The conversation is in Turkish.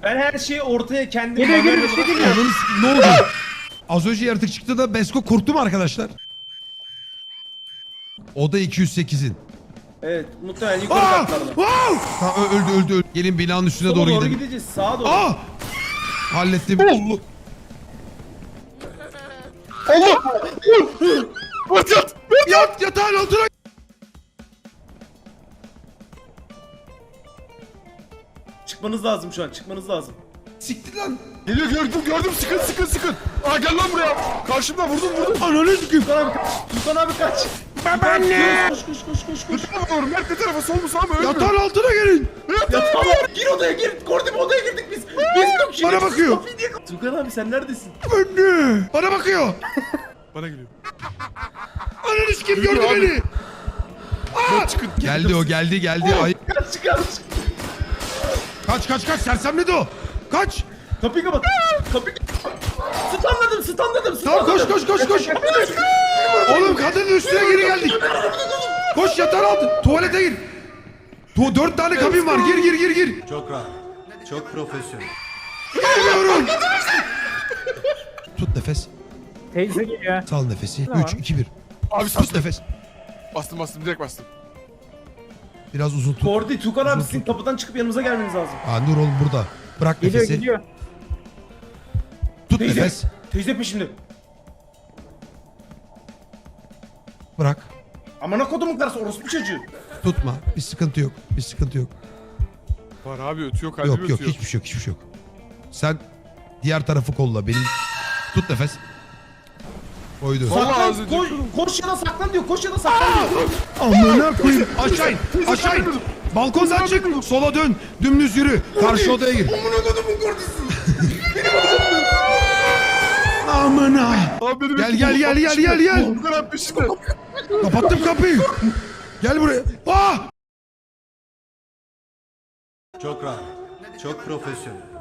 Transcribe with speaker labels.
Speaker 1: Ben her şeyi ortaya kendim...
Speaker 2: Geliyor bir şey geliyor.
Speaker 3: Ne oldu? Az önce yaratık çıktı da Besko korktu mu arkadaşlar? Oda 208'in.
Speaker 1: Evet, muhtemelen yukarı
Speaker 3: Aa!
Speaker 1: katlarda.
Speaker 3: Wow! Tamam öldü. Gelin binanın üstüne
Speaker 1: Sola
Speaker 3: doğru
Speaker 1: doğru
Speaker 3: gidelim.
Speaker 1: gideceğiz, sağa doğru.
Speaker 3: Aa! Hallettim.
Speaker 2: Allah! Yat!
Speaker 3: Yatağın altına.
Speaker 1: Çıkmanız lazım şu an, çıkmanız lazım.
Speaker 3: Siktir lan.
Speaker 2: Geliyor gördüm sıkın. Aa gel lan buraya. Karşımda vurdum.
Speaker 3: Ananı sikeyim.
Speaker 1: Tukan abi kaç.
Speaker 3: Babaanne.
Speaker 1: Koş.
Speaker 2: Tutamıyorum. Mert ne tarafa sol mu sağ mı?
Speaker 3: Yatağın altına gelin.
Speaker 1: Ya tamam, gir odaya gir. Kordim odaya girdik biz. Biz yok şimdi.
Speaker 3: Bana bakıyor.
Speaker 1: Tukan abi sen neredesin?
Speaker 3: Anne. Bana bakıyor.
Speaker 2: Bana geliyor.
Speaker 3: Ananı sikeyim gördü
Speaker 2: Yürü abi.
Speaker 3: beni.
Speaker 2: Mert çıkın.
Speaker 3: Geldi o geldi. Ay. Kaç sersemledi o. Kaç.
Speaker 1: Kapıyı kapat. Stunladım.
Speaker 3: Tamam koş. Oğlum kadının üstüne geri geldik. Koş yatağın altı. Tuvalete gir. 4 tane kabin var. Gir.
Speaker 4: Çok rahat. Çok profesyonel.
Speaker 3: Geliyorum. Tut nefes.
Speaker 2: Teyze geliyor.
Speaker 3: Sal nefesi.
Speaker 2: Tamam.
Speaker 3: 3, 2, 1.
Speaker 2: Abi
Speaker 3: Tut nefes.
Speaker 2: Bastım direkt bastım.
Speaker 3: Biraz uzun tut.
Speaker 1: Kordi, Tukan abi sizin kapıdan çıkıp yanımıza gelmeniz lazım.
Speaker 3: Dur oğlum burada. Bırak nefesi.
Speaker 2: Geliyor.
Speaker 3: Tut nefes.
Speaker 1: Teyze peşimde.
Speaker 3: Bırak.
Speaker 1: Amına kodumun karısı, orospu çocuğu.
Speaker 3: Tutma. Bir sıkıntı yok.
Speaker 2: Var abi ötüyor kalbim
Speaker 3: Yok
Speaker 2: ötüyor.
Speaker 3: hiçbir şey yok. Sen diğer tarafı kolla. Benim tut nefes. Koydu.
Speaker 2: Vallahi
Speaker 1: Saklan,
Speaker 2: az önce
Speaker 1: koş ya da saklan diyor.
Speaker 3: Amına koyayım. Aşağı in. Balkondan çık. Sola dön. Dümdüz yürü. Karşı odaya gir.
Speaker 1: Amına kodumun korkusu.
Speaker 3: Amına.
Speaker 2: Abi benim
Speaker 3: Gel.
Speaker 2: Bu kadar peşinde.
Speaker 3: Kapattım kapıyı. Gel buraya. Aa!
Speaker 4: Çok rahat. Çok profesyonel.